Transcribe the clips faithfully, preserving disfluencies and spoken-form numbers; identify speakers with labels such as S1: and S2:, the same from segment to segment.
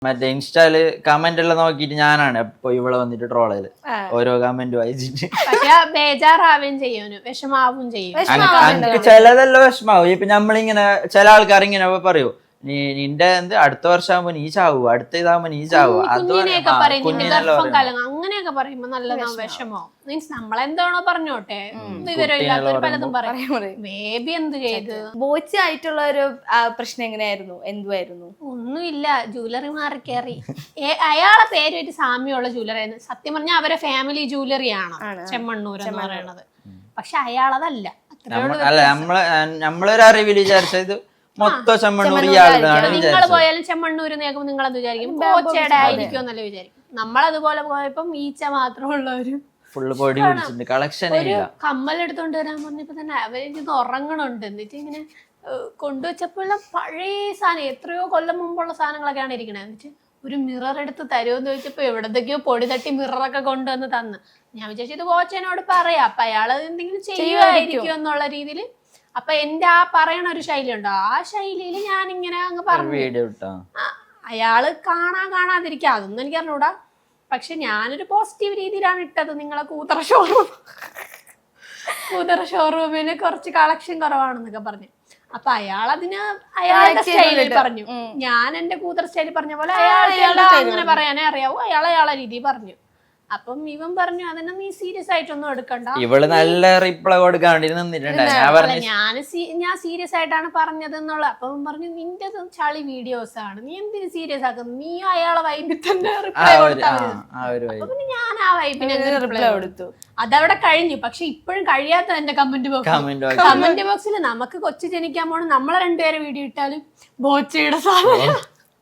S1: മറ്റേ ഇൻസ്റ്റാല് കമന്റ് എല്ലാം നോക്കിട്ട് ഞാനാണ് എപ്പൊ ഇവിടെ വന്നിട്ട് ട്രോൾ ചെയ്ത് ഓരോ കമന്റ് വായിച്ചിട്ട്.
S2: പക്ഷെ ബേജാറാവുകയും ചെയ്യും, വിഷമാവും ചെയ്യും.
S1: ചിലതെല്ലാം വിഷമാവും. ഇപ്പൊ നമ്മളിങ്ങനെ ചില ആൾക്കാർ ഇങ്ങനെ പറയൂ, നീ നിന്റെ എന്ത് അടുത്ത വർഷമാകുമ്പോ നീ ചാവൂ, അടുത്ത ഇതാകുമ്പോ നീ ചാവൂ,
S2: കുഞ്ഞിനെയൊക്കെ പറയും, നിന്റെ ഗർഭം കലങ്ങും, അങ്ങനെയൊക്കെ പറയുമ്പോ നല്ലതാവും, വിഷമോ. മീൻസ് നമ്മളെന്താണോ പറഞ്ഞോട്ടെ, വിവരമില്ലാത്തവർ പലതും പറയും. ബേബി എന്ത് ചെയ്ത്
S3: ബോച്ചി ആയിട്ടുള്ള ഒരു പ്രശ്നം എങ്ങനെയായിരുന്നു? എന്തുവായിരുന്നു?
S2: ഒന്നുമില്ല, ജ്വല്ലറി മാറി കയറി. അയാളെ പേരുമായിട്ട് സാമ്യമുള്ള ജ്വല്ലറി ആയിരുന്നു. സത്യം പറഞ്ഞാൽ അവരെ ഫാമിലി ജ്വല്ലറി ആണ് ചെമ്മണ്ണൂർ എന്ന് പറയണത്. പക്ഷെ അയാളതല്ല.
S1: അല്ല നമ്മള് നമ്മളൊരു അറിവിൽ വിചാരിച്ചത് മൊത്തം ചെമ്മണ്ണൂർ.
S2: നിങ്ങൾ പോയാലും ചെമ്മണ്ണൂർ നേക്കുമ്പോ നിങ്ങൾ അത് വിചാരിക്കും ബോച്ചയുടെ ആയിരിക്കും എന്നല്ല വിചാരിക്കും. നമ്മളതുപോലെ പോയപ്പം ഈച്ച മാത്രമുള്ള ഒരു
S1: ഫുള്ള് പൊടി പിടിച്ചിട്ടുണ്ട്, കളക്ഷൻ.
S2: ഒരു കമ്മലെടുത്തോണ്ട് വരാൻ പറഞ്ഞപ്പോ തന്നെ അവരിത് ഉറങ്ങണുണ്ട്. എന്നിട്ട് ഇങ്ങനെ കൊണ്ടുവച്ചപ്പോഴുള്ള പഴയ സാധനം, എത്രയോ കൊല്ലം മുമ്പുള്ള സാധനങ്ങളൊക്കെയാണ് ഇരിക്കണേ. എന്നിട്ട് ഒരു മിറർ എടുത്ത് തരുമെന്ന് ചോദിച്ചപ്പോ എവിടത്തേക്കോ പൊടി തട്ടി മിററൊക്കെ കൊണ്ടുവന്ന് തന്ന്. ഞാൻ വിചാരിച്ചു ഇത് ബോച്ചനോട് പറയാം, അപ്പൊ അയാൾ എന്തെങ്കിലും ചെയ്യുമായിരിക്കും എന്നുള്ള രീതിയിൽ. അപ്പൊ എന്റെ ആ പറയണ ഒരു ശൈലി ഉണ്ടോ, ആ ശൈലിയിൽ ഞാനിങ്ങനെ അങ്ങ് പറഞ്ഞു. അയാള് കാണാ കാണാതിരിക്കുക അതൊന്നും എനിക്ക് അറിഞ്ഞൂടാ. പക്ഷെ ഞാനൊരു പോസിറ്റീവ് രീതിയിലാണ് ഇട്ടത്. നിങ്ങളെ കൂതറ ഷോറൂം കൂതറ ഷോറൂമിന് കുറച്ച് കളക്ഷൻ കുറവാണെന്നൊക്കെ പറഞ്ഞു. അപ്പൊ അയാൾ അതിന് അയാളുടെ സ്റ്റൈലിൽ പറഞ്ഞു. ഞാൻ എന്റെ കൂതറ സ്റ്റൈലിൽ പറഞ്ഞ പോലെ അയാൾ അങ്ങനെ പറയാനേ അറിയാവൂ. അയാൾ അയാളെ രീതി പറഞ്ഞു. അപ്പം ഇവൻ പറഞ്ഞു അതിനെ നീ സീരിയസ് ആയിട്ടൊന്നും എടുക്കണ്ട.
S1: ഇവള് നല്ല റിപ്ലൈ കൊടുക്കാൻ വേണ്ടി നിന്നിട്ടുണ്ട്.
S2: ഞാൻ ഞാൻ സീരിയസ് ആയിട്ടാണ് പറഞ്ഞത് എന്നുള്ള. അപ്പം പറഞ്ഞു നിന്റെ ചളി വീഡിയോസ് ആണ്, നീ എന്തിനു സീരിയസ് ആക്കുന്നു, നീ അയാളെ വൈബിൽ തന്നെ റിപ്ലൈ കൊടുത്താൽ. അപ്പൊ പിന്നെ ഞാൻ ആ വൈബിന് റിപ്ലൈ കൊടുത്തു. അതവിടെ കഴിഞ്ഞു. പക്ഷെ ഇപ്പോഴും കഴിയാത്ത എന്റെ കമന്റ് ബോക്സ് കമന്റ് ബോക്സിൽ നമുക്ക് കൊച്ചു ജനിക്കാൻ പോണ നമ്മളെ രണ്ടുപേരെ വീഡിയോ ഇട്ടാലും ബോച്ചയുടെ സാധനം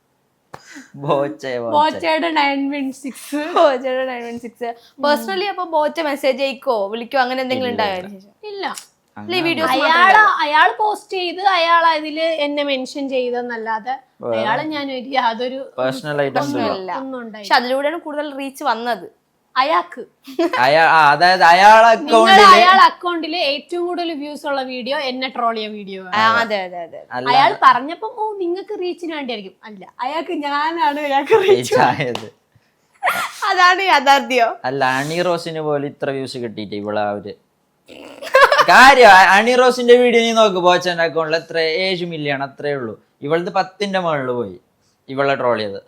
S3: പേഴ്സണലി അപ്പൊ ബോച്ച മെസ്സേജ് അയക്കോ വിളിക്കോ അങ്ങനെ എന്തെങ്കിലും ഉണ്ടായോ?
S2: ഇല്ല. അയാള് അയാൾ പോസ്റ്റ് ചെയ്ത് അയാൾ അതില് എന്നെ മെൻഷൻ ചെയ്തെന്നല്ലാതെ അയാള് ഞാൻ യാതൊരു
S1: പേഴ്സണൽ
S2: ഒന്നും ഉണ്ടായി.
S3: പക്ഷെ അതിലൂടെയാണ് കൂടുതൽ റീച്ച് വന്നത്
S2: അയാൾക്ക്.
S1: അതായത് അയാളെ
S2: അക്കൗണ്ടില് ഏറ്റവും കൂടുതൽ വ്യൂസ് ഉള്ള വീഡിയോ എന്നെ ട്രോൾ ചെയ്യ വീഡിയോ.
S3: അതെ അതെ അതെ.
S2: അയാൾ പറഞ്ഞപ്പോ ഓ നിങ്ങൾക്ക് റീച്ചിന് വേണ്ടിയായിരിക്കും. അല്ല, അയാൾക്ക് ഞാനാണ് അയാൾക്ക് റീച്ച് ആയത്.
S3: അതാണ് യാഥാർത്ഥ്യം.
S1: അല്ല, അണി റോസിന് പോലും ഇത്ര വ്യൂസ് കിട്ടിയിട്ട് ഇവിടെ അവര് കാര്യം. അണി റോസിന്റെ വീഡിയോ നീ നോക്ക്, ബോച്ചന്റെ അക്കൗണ്ടിൽ എത്ര ഏഴ് മില്യൺ അത്രേ ഉള്ളൂ. ഇവളത് പത്തിന്റെ മുകളിൽ പോയി ഇവളെ ട്രോൾ ചെയ്ത്.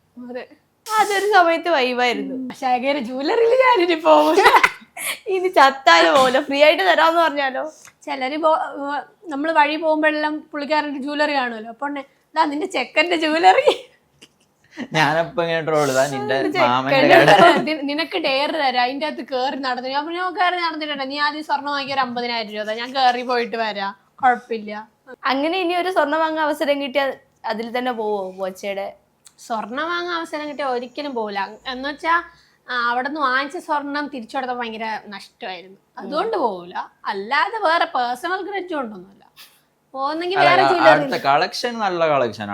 S3: അതൊരു സമയത്ത് വൈവായിരുന്നു.
S2: ശേഖര ജ്വല്ലറിയിൽ ഞാനിനി പോകും.
S3: ഇനി ചത്താലോ പോലെ ഫ്രീ ആയിട്ട് തരാമെന്ന് പറഞ്ഞാലോ.
S2: ചിലര് നമ്മള് വഴി പോകുമ്പോഴെല്ലാം പുള്ളിക്കാരൻ്റെ ജ്വല്ലറി കാണുമല്ലോ. അപ്പൊ ഇതാ നിന്റെ ചെക്കന്റെ ജ്വല്ലറി.
S1: ഞാനപ്പോ ഇങ്ങനെ ട്രോൾ ചെയ്താ നിന്റെ മാമന്റെ
S2: നിനക്ക് ഡെയർ തരാം, അതിന്റെ അകത്ത് കേറി നടന്നു. ഞാൻ പറഞ്ഞു കയറി നടന്നിട്ടുണ്ട്, നീ ആദ്യം സ്വർണ്ണം വാങ്ങിയ ഒരു അമ്പതിനായിരം രൂപ, ഞാൻ കയറി പോയിട്ട് വരാം, കുഴപ്പമില്ല.
S3: അങ്ങനെ ഇനി ഒരു സ്വർണ്ണം വാങ്ങാൻ അവസരം കിട്ടിയാൽ അതിൽ തന്നെ പോവോ ബോച്ചയുടെ?
S2: സ്വർണം വാങ്ങാൻ അവസരം കിട്ടിയ ഒരിക്കലും പോകില്ല. എന്ന് വെച്ചാ അവിടെ നിന്ന് വാങ്ങിച്ച സ്വർണം തിരിച്ചു കൊടുത്താൽ ഭയങ്കര നഷ്ടമായിരുന്നു, അതുകൊണ്ട് പോകില്ല. അല്ലാതെ വേറെ പേഴ്സണൽ ഗ്രഡ്ജ് കൊണ്ടൊന്നുമില്ല. പോകുന്നെങ്കിൽ വേറെ
S1: കളക്ഷൻ നല്ല കളക്ഷൻ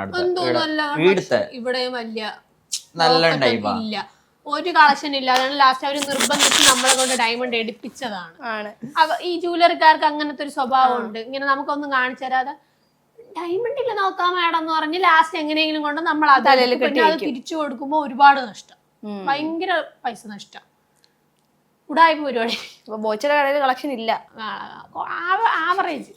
S2: ഇവിടെ വലിയ ഇല്ല, ഒരു കളക്ഷൻ ഇല്ല. അതാണ് ലാസ്റ്റ് അവർ നിർബന്ധിച്ച് നമ്മളെ കൊണ്ട് ഡയമണ്ട് എടുപ്പിച്ചതാണ്. ഈ ജ്വല്ലറിക്കാർക്ക് അങ്ങനത്തെ ഒരു സ്വഭാവം ഉണ്ട്. ഇങ്ങനെ നമുക്കൊന്നും കാണിച്ചു തരാതെ ഡയമണ്ട് ഇല്ല നോക്കാം മാഡം എന്ന് പറഞ്ഞ് ലാസ്റ്റ് എങ്ങനെയെങ്കിലും കൊണ്ട് നമ്മൾ അത് തിരിച്ചു കൊടുക്കുമ്പോ ഒരുപാട് നഷ്ടം, ഭയങ്കര പൈസ നഷ്ടം, ഉടായ്പ പരിപാടി.
S3: ബോച്ചയുടെ കടയിൽ കളക്ഷൻ ഇല്ല,
S2: ആവറേജ്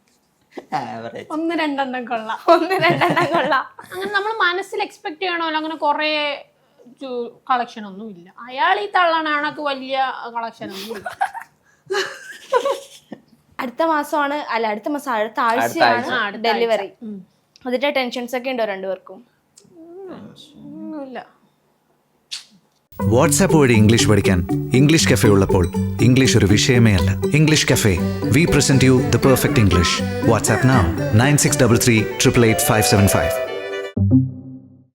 S2: ഒന്ന് രണ്ടെണ്ണം കൊള്ളാം,
S3: ഒന്ന് രണ്ടെണ്ണം കൊള്ളാം.
S2: അങ്ങനെ നമ്മൾ മനസ്സിൽ എക്സ്പെക്ട് ചെയ്യണമല്ലോ. അങ്ങനെ കുറെ കളക്ഷൻ ഒന്നും ഇല്ല. അയാൾ ഈ തള്ളണക്ക് വലിയ കളക്ഷൻ ഒന്നും ഇല്ല.
S3: അടുത്ത മാസമാണ് അല്ല അടുത്ത മാസം അടുത്ത ആഴ്ചയാണ് ഡെലിവറി. അതിന്റെ ടെൻഷൻസ് ഒക്കെ ഉണ്ടോ രണ്ടുപേർക്കും?
S4: വാട്സാപ്പ് വഴി ഇംഗ്ലീഷ് പഠിക്കാൻ ഇംഗ്ലീഷ് കഫേ ഉള്ളപ്പോൾ ഇംഗ്ലീഷ് ഒരു വിഷയമേ അല്ല. English cafe, we present you the perfect English. WhatsApp now nine six double three triple eight five seven five.